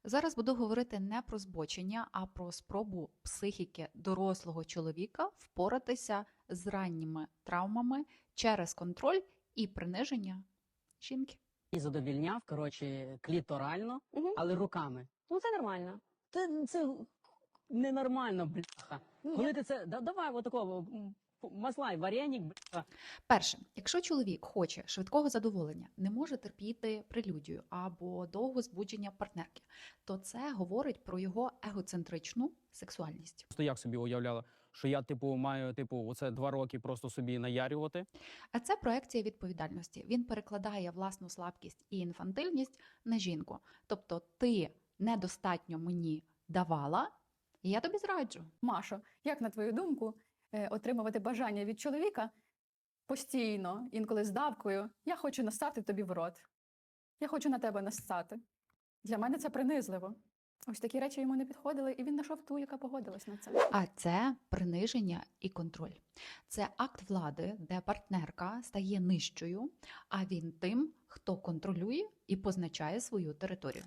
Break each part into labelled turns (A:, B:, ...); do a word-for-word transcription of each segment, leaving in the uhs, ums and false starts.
A: Зараз буду говорити не про збочення, а про спробу психіки дорослого чоловіка впоратися з ранніми травмами через контроль і приниження жінки.
B: І задовільняв, коротше, кліторально,
C: Мгм.
B: але руками.
C: Ну це нормально.
B: Це, це ненормально, бляха.
C: Ні.
B: Коли ти це, да, давай отакого м, масла і вареник, бляха.
A: Перше, якщо чоловік хоче швидкого задоволення, не може терпіти прелюдію або довго збудження партнерки, то це говорить про його егоцентричну сексуальність.
D: Просто як собі уявляла, що я, типу, маю, типу, оце два роки просто собі наярювати.
A: А це проекція відповідальності. Він перекладає власну слабкість і інфантильність на жінку. Тобто ти недостатньо мені давала, і я тобі зраджу.
E: Машо, як на твою думку, е, отримувати бажання від чоловіка постійно, інколи з давкою? Я хочу насати тобі в рот. Я хочу на тебе нассати. Для мене це принизливо. Ось такі речі йому не підходили, і він знайшов ту, яка погодилась на це.
A: А це приниження і контроль. Це акт влади, де партнерка стає нижчою, а він тим, хто контролює і позначає свою територію.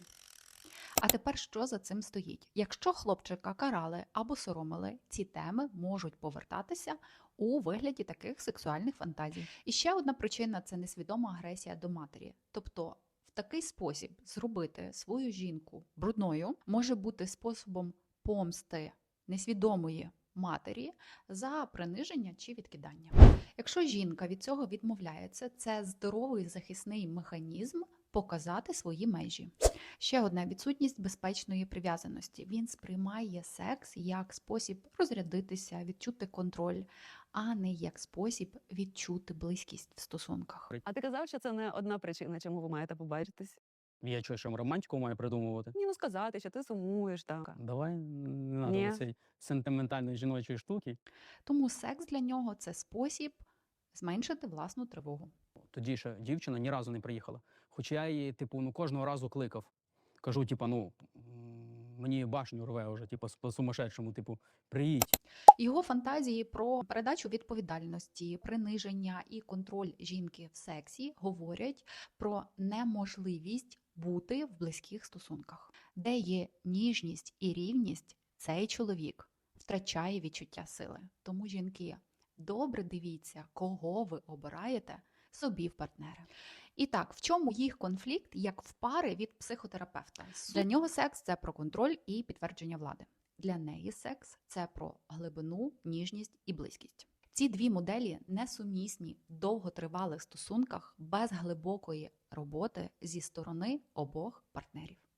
A: А тепер що за цим стоїть? Якщо хлопчика карали або соромили, ці теми можуть повертатися у вигляді таких сексуальних фантазій. І ще одна причина – це несвідома агресія до матері. Тобто в такий спосіб зробити свою жінку брудною може бути способом помсти несвідомої матері за приниження чи відкидання. Якщо жінка від цього відмовляється, це здоровий захисний механізм показати свої межі. Ще одна – відсутність безпечної прив'язаності. Він сприймає секс як спосіб розрядитися, відчути контроль, а не як спосіб відчути близькість в стосунках.
C: А ти казав, що це не одна причина, чому ви маєте побачитись?
D: Я що, що романтику маю придумувати?
C: Ні, ну сказати, що ти сумуєш, так.
D: Давай не
C: Ні.
D: треба цієї сентиментальної жіночої штуки.
A: Тому секс для нього – це спосіб зменшити власну тривогу.
D: Тоді ще дівчина ні разу не приїхала. Хоча я її, типу, ну кожного разу кликав. Кажу, типу, ну м, мені башню рве вже, типу, по сумасшедшому, типу, приїдь.
A: Його фантазії про передачу відповідальності, приниження і контроль жінки в сексі говорять про неможливість бути в близьких стосунках. Де є ніжність і рівність, цей чоловік втрачає відчуття сили. Тому, жінки, добре дивіться, кого ви обираєте собі в партнери. І так, в чому їх конфлікт, як в пари від психотерапевта? Для нього секс – це про контроль і підтвердження влади. Для неї секс – це про глибину, ніжність і близькість. Ці дві моделі несумісні в довготривалих стосунках без глибокої роботи зі сторони обох партнерів.